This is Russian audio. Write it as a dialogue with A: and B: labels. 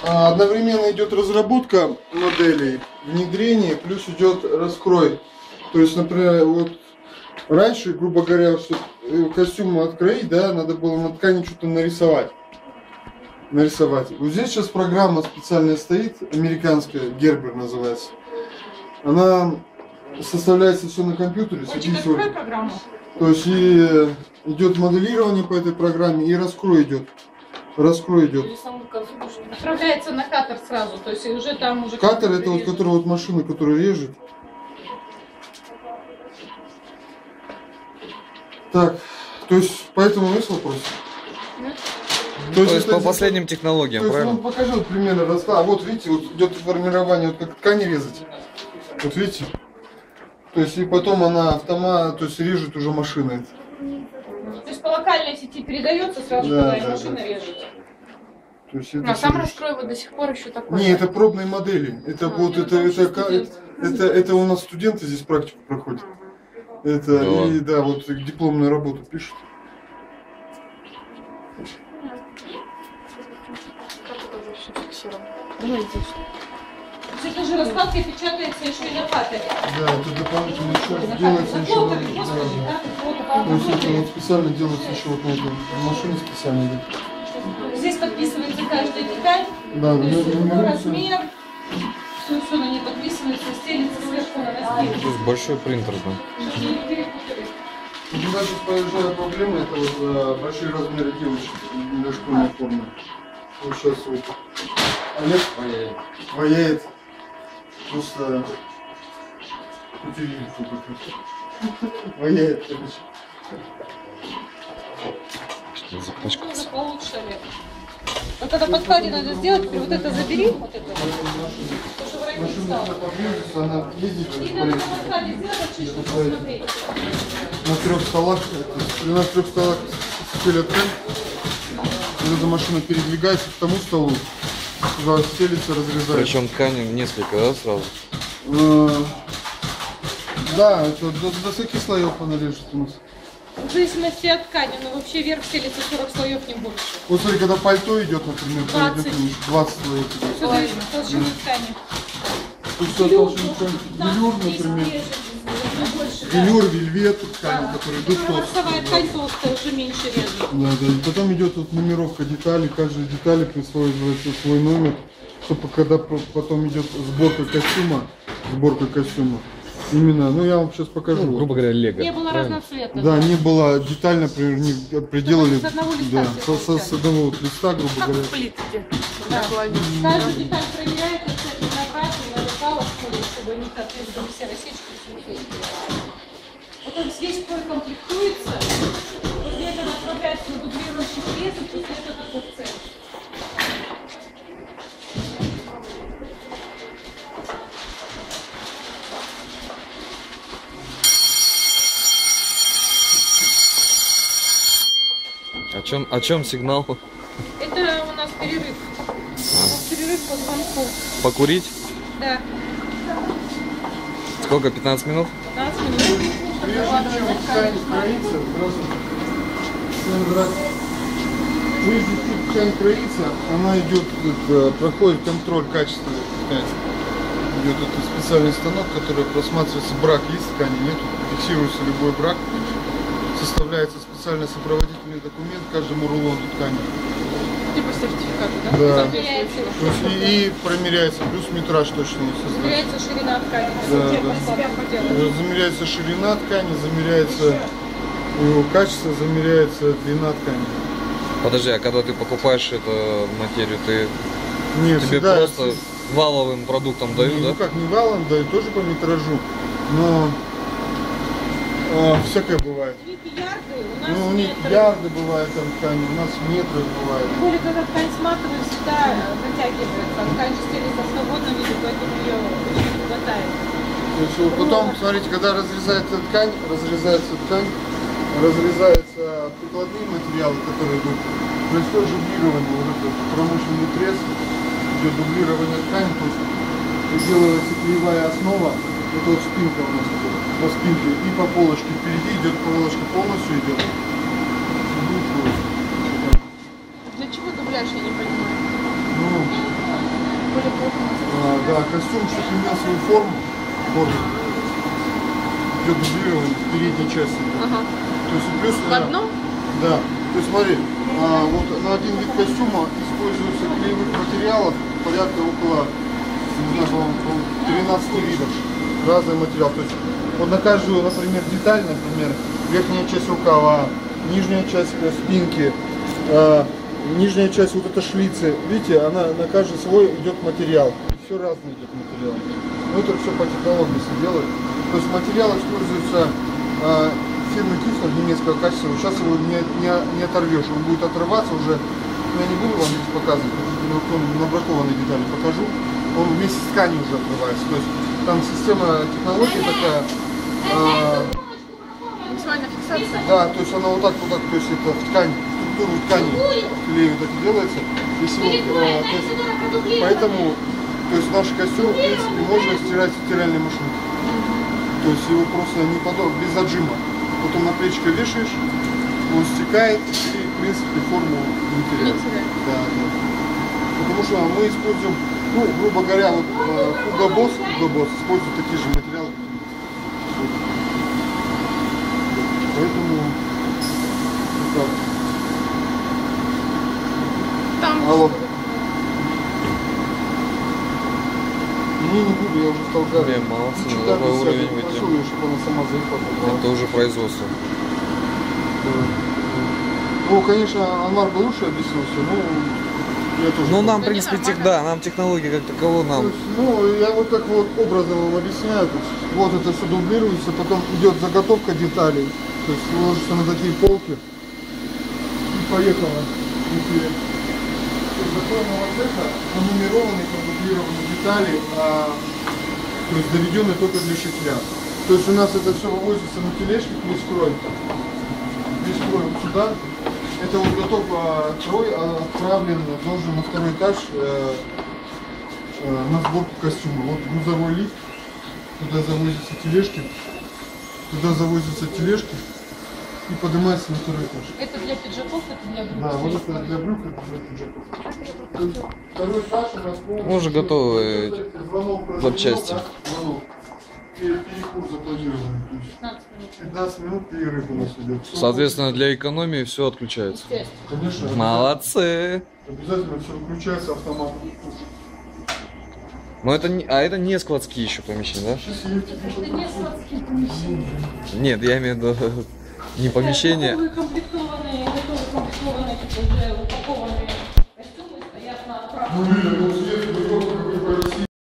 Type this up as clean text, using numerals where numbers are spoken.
A: одновременно идет разработка моделей, внедрение, плюс идет раскрой. То есть, например, вот раньше, грубо говоря, чтобы костюм откроить, да, надо было на ткани что-то нарисовать. Вот здесь сейчас программа специальная стоит, американская, Gerber называется. Она составляется все на компьютере.
B: Очень открой программу.
A: То есть и идет моделирование по этой программе, и раскрой идет.
B: Отправляется на катер сразу, то есть уже там уже...
A: Катер это вот, который вот машина, которая режет. Так, то есть поэтому есть вопрос?
B: Нет.
C: То есть по последним технологиям, правильно?
A: Ну, покажи вот примерно расклад. Вот видите, вот идет формирование, вот как ткани резать. Вот видите? То есть и потом она автомат, то есть режет уже машина.
B: То есть по локальной сети передается сразу,
A: да,
B: когда машина режет.
A: То есть
B: А сам раскрой вот до сих пор еще такой.
A: Не, это пробные модели. Это вот это у нас студенты здесь практику проходят. Это
C: да.
A: И да, вот дипломную работу пишут.
B: Это же раскладка печатается еще и на катере.
A: Да, это дополнительно еще делается еще. То есть это вот специально делается еще вот на этой машине специально.
B: Здесь подписывается каждая деталь.
A: Да,
B: размер. Все на ней подписывается, стелится сверху на носки.
C: То есть большой принтер, да.
A: У меня сейчас появляется проблема, это вот большие размеры девочек для школьной формы. Вот сейчас вот Олег ваяет. Просто ваяет, короче.
C: Что запачкался?
B: Это получше, Олег. Вот это подкладе надо сделать, вот это забери, вот это.
A: Машина подвижется, она ездит
B: И надо на подкладе сделать чуть-чуть, посмотреть.
A: на 3 столах, при нас 3 столах стелят ткань, эта машина передвигается к тому столу, туда стелится, разрезается.
C: Причем ткани несколько, да, сразу?
A: Да, это до 40 слоев она режет у нас.
B: В зависимости от ткани, но вообще вверх стелится 40 слоев, не больше.
A: Вот смотри, когда пальто идет, например,
B: 20.
A: 20 слоев.
B: Все зависит от толщины ткани.
A: Тут все толщина ткани. Велюр, например. Велюр, вельвет, ткани, которые идут толстые.
B: Ворсовая ткань толстая, уже меньше режет.
A: Да. И потом идет вот нумеровка деталей, каждой детали присваивается свой номер, чтобы когда потом идет сборка костюма. Именно, ну я вам сейчас покажу.
C: Ну, грубо говоря, лего.
B: Не было разноцветных.
A: Да, не было детально, например, не приделали.
B: С одного листа.
A: Да, с одного вот листа, грубо
B: Как
A: говоря.
B: в плитке. Да. Каждая деталь проверяется, кстати, на брать и на лекало, чтобы не соответствовали все рассечки. Потом здесь комплектуется, после этого направляется на дублирующий пресс, и после этого на курсе.
C: О чем сигнал?
B: Это у нас перерыв. Перерыв по звонку.
C: Покурить?
B: Да.
C: Сколько? 15 минут?
B: 15 минут.
A: Прежде чем ткань кроится, она идет, проходит контроль качества ткани. Идет этот специальный станок, который просматривается, брак есть в ткани, нет, фиксируется любой брак. Составляется специальный сопроводительный документ каждому рулону ткани.
B: Типа сертификата, да?
A: Да.
B: То есть
A: и промеряется, плюс метраж точно составляется.
B: замеряется ширина ткани.
A: Да. Замеряется ширина ткани, замеряется его качество, замеряется длина ткани.
C: Подожди, а когда ты покупаешь эту материю, ты
A: Нет,
C: тебе
A: всегда
C: просто валовым продуктом дают,
A: ну
C: да?
A: как, не валом дают, тоже по метражу, но всякое бывает.
B: Ярды, у нас
A: Ну, у них
B: метры.
A: ярды бывают там ткани, у нас метры бывают.
B: Тем более, когда ткань сматывает, всегда затягивается. Ткань же стелится в свободном виде, поэтому ее очень не хватает.
A: То есть, вот потом, смотрите, когда разрезается ткань, разрезаются прикладные материалы, которые идут. Происходит дублирование, вот этот промышленный пресс, идет дублирование ткани, то есть делается клеевая основа, это вот спинка у нас идет, по спинке, и по полочке впереди идет, полочка полностью идет.
B: Для чего дубляж, я не понимаю.
A: Ну,
B: более плотно.
A: Да, костюм, чтобы имел свою форму. Вот. Идет дублирование в передней части.
B: Ага.
A: То есть и плюс...
B: В одном?
A: Да. То есть смотри, вот на один вид костюма используются клеевых материалов порядка около, не знаю, по-моему, 13 видов. Разный материал. То есть вот на каждую, например, деталь, например, верхняя часть рукава, нижняя часть спинки, нижняя часть вот этой шлицы, видите, она на каждый свой идет материал. Все разный идет материал. Но это все по технологии все делают. То есть материал используется фирмы Кюслер немецкого качества. Сейчас его не оторвешь, он будет отрываться уже. Но я не буду вам здесь показывать, на бракованные детали покажу. Он вместе с тканью уже отрывается. То есть там система технологии такая.
B: Максимальная фиксация.
A: Да, то есть она вот так, то есть это в ткань, структуру ткани клею так и делается. Если поэтому, то есть наш костюм, в принципе, можно стирать в стиральной машинке. То есть его просто не подобно, без отжима. Вот он на плечико вешаешь, он стекает и, в принципе, форму не теряет. Да, да. Потому что мы используем, ну, грубо говоря, вот Hugo Boss использует такие же материалы. Поэтому вот так.
B: Там.
A: Алло. Не буду, я уже стал жарить.
C: Блин, молодцы, на такой уровень выйти.
A: Прошу ее, чтобы она сама заехала.
C: Это уже производство.
A: Ну, конечно, Анвар бы лучше объяснил все, но я тоже...
C: Ну, нам, в
B: Да
C: принципе,
B: не, нормально.
C: да, нам технологии как таково
A: То
C: нам.
A: есть, ну, я вот так вот образно вам объясняю. То есть, вот это все дублируется, потом идет заготовка деталей. То есть ложится на такие полки и поехала. Законно вот это нумерованные, продублированные детали, то есть доведенные только для шитья. То есть у нас это все вывозится на тележке, весь крой. Весь крой вот сюда. Это вот готов крой отправлен, должен на второй этаж на сборку костюма. Вот грузовой лифт, туда завозятся тележки и поднимается на второй этаж.
B: Это для пиджаков, это для брюк.
A: Да, вот это для брюк, это для пиджаков. Второй этаж у нас полностью...
C: Мы уже готовы запчасти.
A: Звонок. Перекур запланированный. 15 минут перерыв у нас идет.
C: Соответственно, для экономии все отключается.
A: Конечно.
C: Молодцы.
A: Обязательно все выключается автомат.
C: Но это не, это не складские еще помещения, да?
A: Сейчас я тебе
B: Это не складские помещения.
C: Нет, я имею в виду не помещение.
B: Готовые комплектованные, уже упакованные костюмы стоят на
A: Ну,
B: правом.
A: видно, ну, свет